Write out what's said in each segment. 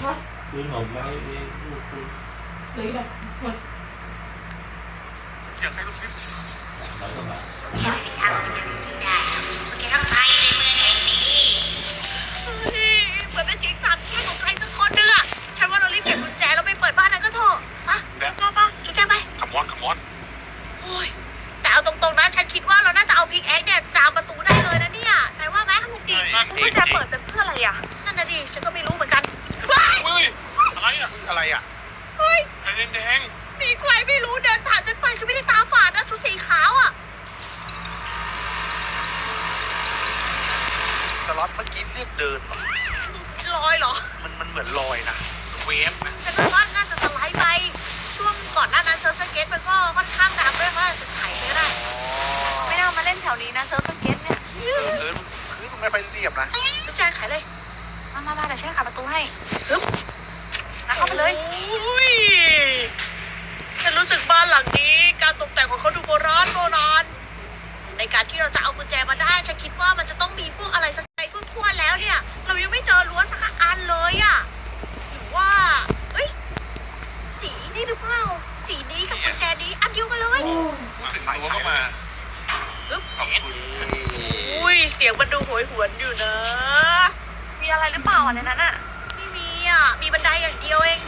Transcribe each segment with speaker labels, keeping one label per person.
Speaker 1: ซื้อขนมมาให้ลูกคุณ
Speaker 2: เลยแบบหมด
Speaker 3: อยากให้ลูกพี่
Speaker 1: แล้วก็มา
Speaker 4: ทางที่จะซื้อได้แกต้องไปในเมืองแห่งนี้เหมือนเป็นเสียงสาบแช่งของใครสักคนนึงอะฉันว่าเรารีบเก็บกุญแจแล้วไปเปิดบ้านนั้นก็เถอะป่ะจุ๊บแจงไป
Speaker 3: ขมอน
Speaker 4: โอ้ยแต่เอาตรงๆนะฉันคิดว่าเราน่าจะเอาพิกแอคเนี่ยจามประตูได้เลยนะเนี่ยนายว่าไหมกุญแจเปิดเป็นเพื่ออะไรอะนั่นน่ะดิฉันก็ไม่รู้เหมือนกัน
Speaker 3: เฮ้ยอะไรอ่ะ
Speaker 4: เฮ้ย
Speaker 3: แดง
Speaker 4: มีใครไม่รู้เดินผ่านฉันไปฉันไม่ได้ตาฝาดนะชุดสีขาวอะ
Speaker 3: สล็อตเมื่อกี้เรียกเดิน
Speaker 4: ลอยเหรอ
Speaker 3: มันเหมือนลอยนะเวฟนะ
Speaker 4: ฉันว่าน่าจะสไลด์ไปช่วงก่อนหน้านั้นเซิร์ฟสเก็ตมันก็ค่อนข้างดังด้วยเพราะจะไถไปได้ไม่น่ามาเล่นแถวนี้นะเซิร์ฟสเก็ตเนี่ย
Speaker 3: คือมันไม่ค่อยเรียบนะ
Speaker 4: จุ๊บแจงขายเลยมาเดี๋ยวฉันขายประตูให้ฮึบเข้าไปเลยฉันรู้สึกบ้านหลังนี้การตกแต่งของเขาดูโบราณในการที่เราจะเอากุญแจมาได้ฉันคิดว่ามันจะต้องมีพวกอะไรสักไปทั่วๆแล้วเนี่ยเรายังไม่เจอรั้วสักอันเลยอะหรือว่าสีนี่หรือเปล่าสีนี้กับกุญแจนี้อันเดียวกันเลย
Speaker 3: ถึงรั้วก็มา
Speaker 4: ฮึบอุ้ยเสียงมันดูโหยหวนอยู่นะมีอะไรหรือเปล่าในนั้นอะไม่มีอะมีบันไดอย่างเดียวเอง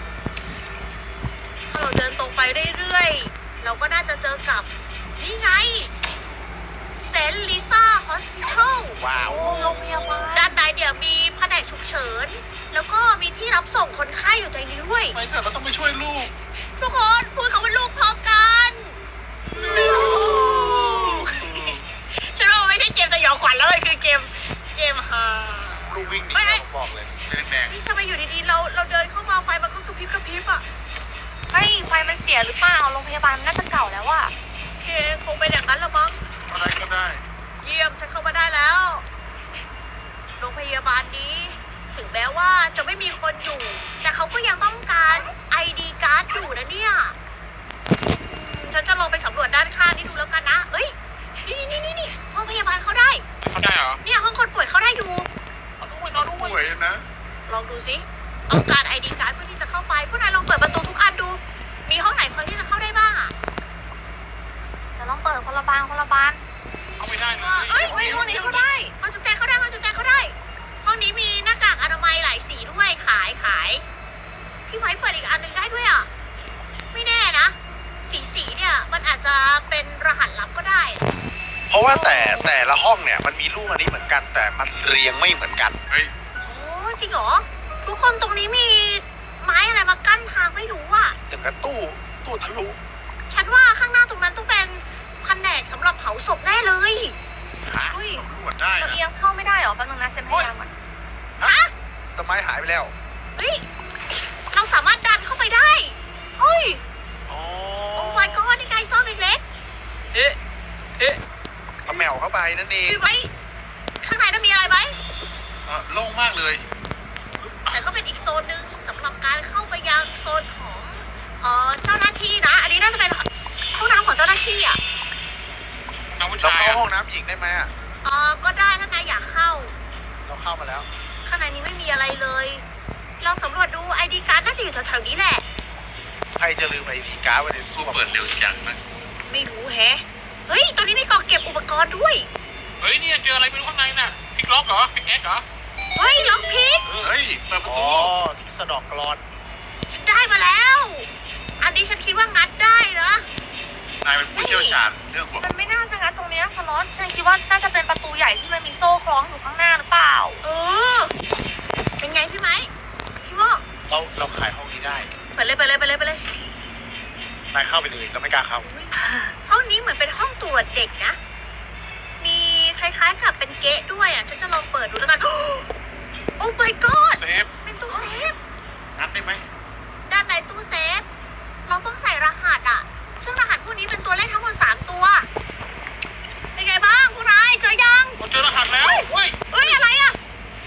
Speaker 4: ถ้าเราเดินตรงไปเรื่อยๆเราก็น่าจะเจอกับนี่ไงเซนต์ลิซ่าฮอสพิทอล
Speaker 3: ว้าว
Speaker 4: โรงพยาบาลด้านในเนี่ยมีแผนกฉุกเฉินแล้วก็มีที่รับส่งคนไข้อยู่ในนี้ด้วย
Speaker 3: ไปเถอะเราต้องไปช่วยลูก
Speaker 4: ทุกคนพูดคำว่าลูกพร้อมกันลูกฉันว่ามันไม่ใช่เกมสยองขวัญแล้วมันคือเกมฮา
Speaker 3: ลูกวิ่งหนีเราบอกเลยแดง
Speaker 4: นี่ทำไมอยู่ดีๆเราเดินเข้ามาไฟมันก็กระพริบอ่ะไฟมันเสียหรือเปล่าโรงพยาบาลมันน่าจะเก่าแล้วอะโอเคคงเป็นอย่างนั้นละมั้ง
Speaker 3: อะไรก็ได้
Speaker 4: เยี่ยมฉันเข้ามาได้แล้วโรงพยาบาลนี้ถึงแม้ว่าจะไม่มีคนอยู่แต่เขาก็ยังต้องการ ID การ์ดอยู่นะเนี่ยฉันจะลองไปสำรวจด้านข้างนี่ดูแล้วกันนะเอ้ยนี่ห้องพยาบาลเขาได้
Speaker 3: เหรอ
Speaker 4: เนี่ยห้องคนป่วยเขาได้อยู่
Speaker 3: นอนป่วยนะ
Speaker 4: ลองดูสิเอาการ ID การ์ดเพื่อที่จะเข้าไปพวกนายลองเปิดประตูทุกอันดูมีห้องไหนพอที่จะเข้าได้บ้างอ่ะแต่ลองเปิดคนละบาน
Speaker 3: เอาไม่ได้เลย
Speaker 4: ห้องนี้ก็ได้ห้องจุ๊บแจงเข้าได้ห้องนี้มีหน้ากากอนามัยหลายสีด้วยขายพี่ไว้เปิดอีกอันหนึ่งได้ด้วยอ่ะไม่แน่นะสีเนี่ยมันอาจจะเป็นรหัสลับก็ได้
Speaker 3: เพราะว่าแต่ละห้องเนี่ยมันมีรูปอันนี้เหมือนกันแต่มันเรียงไม่เหมือนกัน
Speaker 4: โอ้จริงเหรอทุกคนตรงนี้มีไม้อะไรมากั้นทางไม่รู้อ่ะ
Speaker 3: อย่างกับตู้ทะลุ
Speaker 4: ฉันว่าข้างหน้าตรงนั้นต้องเป็นแผนกสำหรับเผาศพแน่เลย
Speaker 3: ตรวจได้
Speaker 4: เราเอียงเข้าไม่ได้หรอแป๊บนึงนะเซ็นพยายามก่อน
Speaker 3: ต้นไม้หายไปแล้ว
Speaker 4: เฮ้ยเราสามารถดันเข้าไปได้เฮ้ยโอ้ my god นี่ไงซ่อนเล็ก
Speaker 3: ๆเอาแมวเข้าไปนั่นเอง
Speaker 4: ไหมข้างในนั้นมีอะไรไหม
Speaker 3: โล่งมากเลย
Speaker 4: แต่ก็เป็นอีกโซนหนึ่งสำหรับการเข้าไปยังโซนของเจ้าหน้าที่นะอันนี้น่าจะเป็นห้องน้ำของเจ้าหน้าที่อ่ะ
Speaker 3: เราเข้าห้องน้ำหญิงได้ไหมอ่ะ
Speaker 4: ก็ได้ถ้านายอยากเข้า
Speaker 3: เราเข้ามาแล้ว
Speaker 4: ข้างในนี้ไม่มีอะไรเลยลองสำรวจดู ID การ์ดน่าจะอยู่แถวๆนี้แหละ
Speaker 3: ใครจะลืม ID การ์ดไว้ในตู้เปิดเร็วจังนะ
Speaker 4: ไม่รู้แฮะเฮ้ยตรงนี้มีกล่องเก็บอุปกรณ์ด้วย
Speaker 3: เฮ้ยเนี่ยเจออะไรไม่รู้ข้างในน่ะพิกล็อกเหรอพิกแอ็กเหรอ
Speaker 4: เฮ้ยล็อกพิก
Speaker 3: เฮ้ยเปิดประตูที่สะดอกกรอน
Speaker 4: ฉันได้มาแล้วอันนี้ฉันคิดว่างัดได้นะ
Speaker 3: นายเป็นผู้เชี่ยวชาญเรื่องพวก
Speaker 4: มันไม่น่าจะงัดตรงนี้สล็อตฉันคิดว่าน่าจะเป็นประตูใหญ่ที่มันมีโซ่คล้องอยู่ข้างหน้าหรือเปล่าเป็นไงพี่ไหมพี่โม
Speaker 3: เราขายห้องนี้ได้
Speaker 4: ไปเลย
Speaker 3: นายเข้าไปเลยเราไม่กล้าเข้า
Speaker 4: ห้องนี้เหมือนเป็นห้องตรวจเด็กนะมีคล้ายๆกับเป็นเก๊ะด้วยอ่ะฉันจะลองเปิดดูแล้วกันโอ้ my god
Speaker 3: เซฟ
Speaker 4: เป็นตู้เซฟ
Speaker 3: งัดได้ไหม
Speaker 4: ด้านในตู้เซฟเราต้องใส่รหัสอ่ะซึ่งรหัสพวกนี้เป็นตัวเลขทั้งหมด3ตัวเป็นไงบ้างพวกนายเจอยัง
Speaker 3: เจอรหัสแล้ว
Speaker 4: เฮ้ยอะไรอ่ะ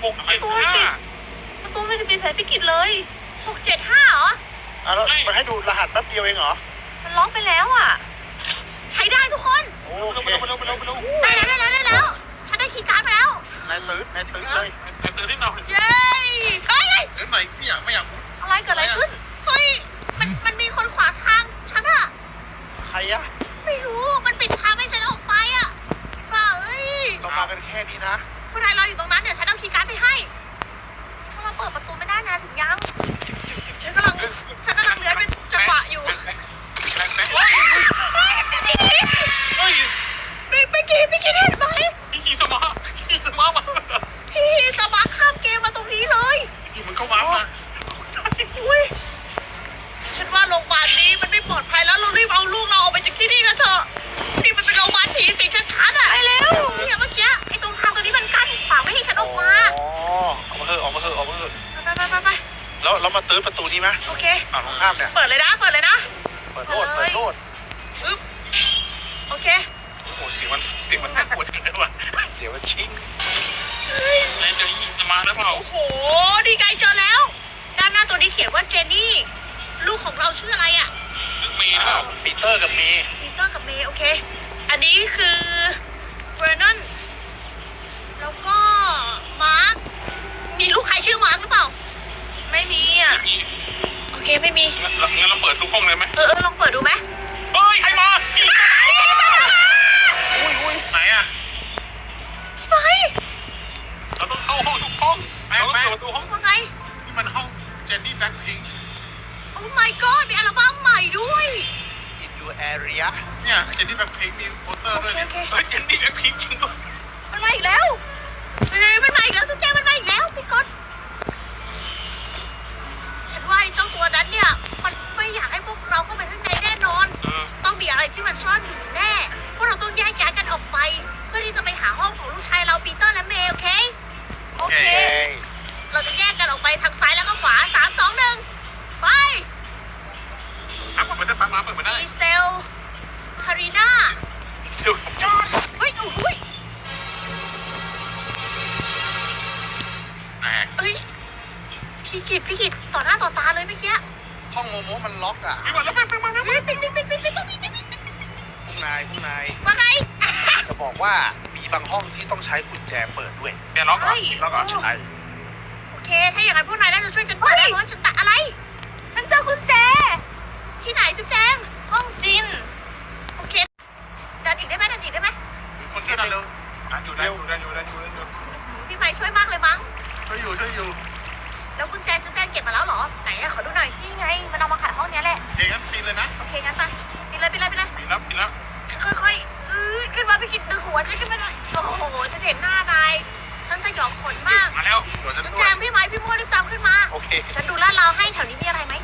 Speaker 3: 675
Speaker 4: ประตูไม่ได้ปิดสายพิกิจเลย675เหรอ
Speaker 3: แล้วมันให้ดูรหัสแป๊บเดียวเองเหรอ
Speaker 4: มันล็อกไปแล้วอ่ะใช้ได้ทุกคน
Speaker 3: โอเค
Speaker 4: ได้แล้วฉันได้คีย์การ์ดมาแล้ว
Speaker 3: นายตื่นเลย
Speaker 4: เย้
Speaker 3: เฮ้ยไหนพี่อยากไม่เรามาตื้อประตูนี้ไหม
Speaker 4: โอเค
Speaker 3: ฝั่งตรงข้ามเนี่ย
Speaker 4: เปิดเลยนะ เปิดเลยนะ
Speaker 3: เปิดโลดเปิดโลด
Speaker 4: ปึ๊บโอเค
Speaker 3: โอ้โหเสียงมันน่ากลัวจังเลยว่ะเสียงมันชิง
Speaker 1: นายจะยิงมาหรือเปล่า
Speaker 4: โอ้โหดีใจเจอแล้ว ด้านหน้าตัวนี้เขียนว่าเจนนี่ ลูกของเราชื่ออะไรอ่ะ
Speaker 1: นึกเมย์หรือเปล่า
Speaker 3: ปีเตอร์กับเมย์
Speaker 4: ปีเตอร์กับเมย์โอเค อันนี้คือเบรนนนแล้วก็มาร์ค มีลูกใครชื่อมาร์คหรือเปล่า ไม่มีอ่ะ
Speaker 1: นี่
Speaker 4: โอเคไม่มี
Speaker 1: งั้นเราเปิดทุกห้องเลยไหม
Speaker 4: ลองเปิดดูไหม
Speaker 3: เฮ้ยใครมา
Speaker 5: อุ้ยไหนอ่ะ
Speaker 4: ไป
Speaker 1: เราต้องเข้าห้องทุกห้องเราต้องเปิดประตูห้อง
Speaker 4: ว่าไง
Speaker 5: นี่มันห้องเจนนี่แบ็คพิงค์
Speaker 4: โอ้ my god มีอัลบั้มใหม่ด้วย
Speaker 3: อินดูแอเรีย
Speaker 5: เนี่ยเจนนี่แบ็คพิงค์มีโปสเตอร์
Speaker 4: โอ
Speaker 5: ด้วย
Speaker 4: เค
Speaker 5: เนี่ย
Speaker 4: โอเค
Speaker 1: เฮ้ยเจนนี่แบ็คพิงค์จริงด้วย
Speaker 4: มันมาอีกแล้วเฮ้ยมันมาอีกแล้วทุกแจมันมาอีกแล้วพี่ก๊อตฉันว่าไอ้เจ้าตัวนั้นเนี่ย มันไม่อยากให้พวกเราเข้าไปข้างในแน่นอน ต้องมีอะไรที่มันซ่อนอยู่แน่ พวกเราต้องแยกย้ายกันออกไป เพื่อที่จะไปหาห้องของลูกชายเราปีเตอร์และเมย์โอเค โอเค เราจะแยกกันออกไปทางซ้ายแล้วก็ขวา3 2 1ไป
Speaker 1: เปิดไม่ได้ปั๊บมาเปิดไม่ได้
Speaker 4: ดีเซล คารีนา
Speaker 1: เดี๋ยว
Speaker 4: เฮ้ยโอ้ย
Speaker 5: แตก
Speaker 4: เอ้ยพี่กิตต่อหน้าต่อตาเลยเมื่อกี้
Speaker 3: ห้องโมโมมันล็อกอ่ะ
Speaker 1: พี่มาแล้วไปมาแล้ว
Speaker 4: เฮ้ยปิดต้องปิด
Speaker 3: พวกนาย
Speaker 4: ว่าไง
Speaker 3: จะบอกว่ามีบางห้องที่ต้องใช้กุญแจเปิดด้วย
Speaker 1: เดี๋ยวล็อกเหรอ
Speaker 4: เฮ้ย
Speaker 3: แล้วก็ใช่
Speaker 4: โอเค ถ้าอย่างนั้นพวกนายน่าจะช่วยฉันเปิดได้เพราะว่าฉันตัดอะไร ฉันเจอกุญแจ ที่ไหนจุ๊บแจง ห้องจิน โอเค ดันอีกได้ไหม
Speaker 5: มีคนช่วยกันเร็ว
Speaker 1: อยู่ได้อยู่
Speaker 4: พี่ไม้ช่วยมากเลยมั้ง
Speaker 5: ช่วยอยู่
Speaker 4: แล้วกุญแจจุ๊บแจงเก็บมาแล้วเหรอ ไหนอะขอดูหน่อย นี่ไง มันเอามาขายห้องนี้แหละ
Speaker 5: เฮ้ยงั้นปีนเลยนะ
Speaker 4: โอเค งั้นไปปิดเลย
Speaker 1: ปิดแล้ว
Speaker 4: ค่อยๆขึ้นมาพี่กิตดึงหัวฉันขึ้นมาหน่อยโอ้โหฉันเห็นหน้านาย ฉันสยองขนมาก
Speaker 1: มาแล้ว
Speaker 5: หัวฉัน
Speaker 4: จุ๊บ
Speaker 5: ด้
Speaker 4: แจ
Speaker 5: วย
Speaker 4: งพี่ไม้พี่โม่รีบตามขึ้นมา
Speaker 3: โอเค
Speaker 4: ฉันดูลาดราวให้แถวนี้มีอะไรไหม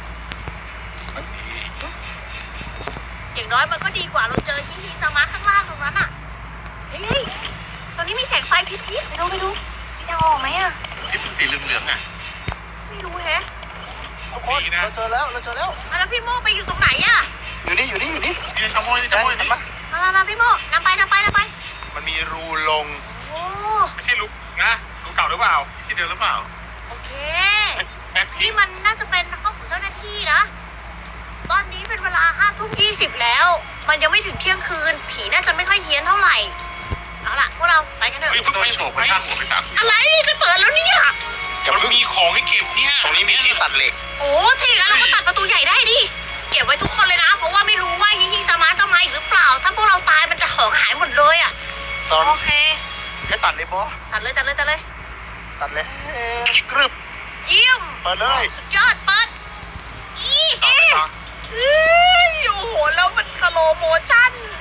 Speaker 4: อย่างน้อยมันก็ดีกว่าเราเจอที่สมาร์ทข้างล่างตรงนั้นอ่ะ เฮ้ยตรงนี้มีแสงไฟพิบๆไปดูมีทางออกไหมอ่ะ
Speaker 5: ที่เป็นสีเหลืองๆอ่ะ
Speaker 4: ไม่รู้แฮะ
Speaker 3: ทุกคนเราเจอแล้ว
Speaker 4: แล้วพี่โม่ไปอยู่ตรงไหนอ่ะ
Speaker 3: อยู่นี่
Speaker 5: นี่ชาวโม่นี่ชาวโม่
Speaker 3: เห็น
Speaker 5: นี่
Speaker 3: ปะ
Speaker 4: มาพี่โม่นำไป
Speaker 3: มันมีรูลง
Speaker 4: โอ้
Speaker 1: ไม่ใช่ลูกนะลูกเก่าหรือเปล่า
Speaker 5: ที่เดิมหรือเปล่า
Speaker 4: โอเค
Speaker 1: แบ็คพิ
Speaker 4: นี่
Speaker 1: งค์
Speaker 4: มันน่าจะเป็นห้องของเจ้าหน้าที่นะ ตอนนี้เป็นเวลา5:20แล้ว มันยังไม่ถึงเที่ยงคืน ผีน่าจะไม่ค่อยเฮี้ยนเท่าไหร่ เอาล่ะพวกเราไปกันเถอะ
Speaker 1: เฮ้ย
Speaker 5: โดนโฉบกระชากหัวไป3 ที
Speaker 4: อะไรจะเปิดแล้วเนี่ย
Speaker 1: มันมีของให้เก็บเนี่ย
Speaker 3: ตรงนี้มีที่ตัดเหล็ก
Speaker 4: โอ้ถ้าอย่างนั้นเราก็ตัดประตูใหญ่ได้ดิ เก็บไว้ทุกคนเลยนะ เพราะว่าไม่รู้ว่าฮิสมาร์ทจะมาอีกหรือเปล่า ถ้าพวกเราตายมันจะของหายหมดเลยอ่ะ
Speaker 3: ตอน
Speaker 4: โอเค
Speaker 3: ให้ตัดเลยบอ
Speaker 4: ตัดเลย
Speaker 3: ตัดเลยกรึบ
Speaker 4: เยี่ยม
Speaker 3: เปิดเลย
Speaker 4: สุดยอดไป